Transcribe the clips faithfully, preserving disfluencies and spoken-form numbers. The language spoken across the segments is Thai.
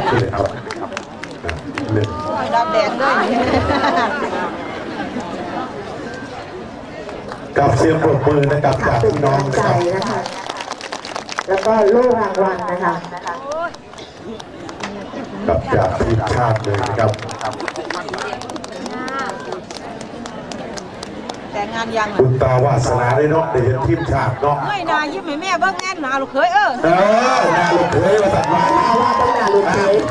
เลยครับเล่นดำแดงด้วยกับเสียงปรบมือนะครับจากพี่น้องใจนะคะแล้วก็โล่รางวัลนะคะกับจากทีมชาติเลยนะครับแต่งานยังคุณตาวาสนาได้เนาะได้เห็นทีมชาติเนาะเฮ้ยนายิ้มให้แม่เบิ้งแง่นาลูกเคยเออเออนาลูกเคยมาตัดมาว่าต้องนาลูกเคย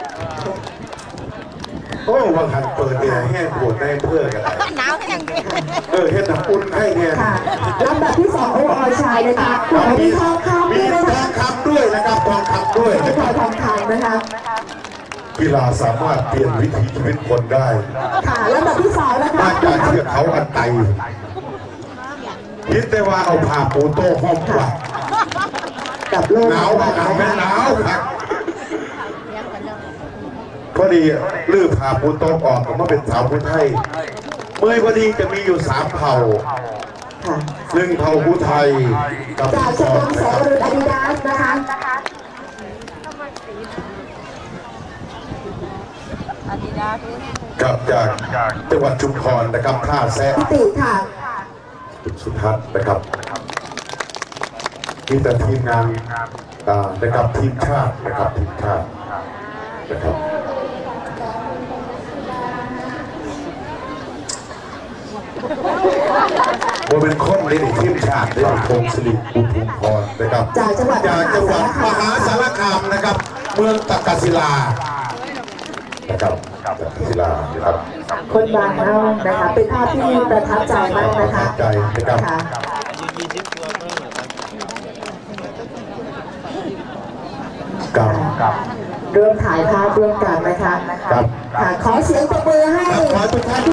โอ้วังหันเปิดเนี่ยแห้งปวดในเพื่อกันหนาวแห้งเออเห็นน้ำอุ่นให้เนี่ยลำดับที่สองโออชายนะคะมีทองคำมีทองคำด้วยนะครับทองคำด้วยมีทองคำนะคะกีฬาสามารถเปลี่ยนวิถีชีวิตคนได้ค่ะลำดับที่สองนะคะมาจากเทือกเขาอันไตคิดแต่ว่าเอาผ้าปูโต้ห้อมกว่ากับโลกหนาวหนาวไม่หนาวครับพอดีลื้อผ้าปูโต้ออกผมว่าเป็นสาวผู้ไทยเมื่อพอดีจะมีอยู่สามเผ่าหนึ่งเผ่าผู้ไทยกับจากชมรมแสงอรุณอาดิดาสนะคะกับจากจังหวัดชุมพรนะครับท่าแซะติค่ะสุทัศน์นะครับมีแต่ทีมงานนะครับทีมชาตินะครับทีมชาตินะครับโมเป็นคนในทีมชาติได้พงศิริอุทุมพรนะครับจากจังหวัดจากจังหวัดมหาสารคามนะครับเมืองตะกศิลานะครับตะกศิลานะครับคนบางเล่านะคะเป็นภาพที่ประทับใจมากนะคะใจนะครับกับเริ่มถ่ายภาพร่วมกันนะคะกับขอเสียงปรบมือให้ขอทุกท่าน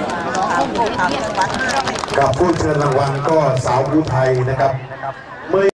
กับผู้เชิญรางวัลก็สาวผู้ไทยนะครับ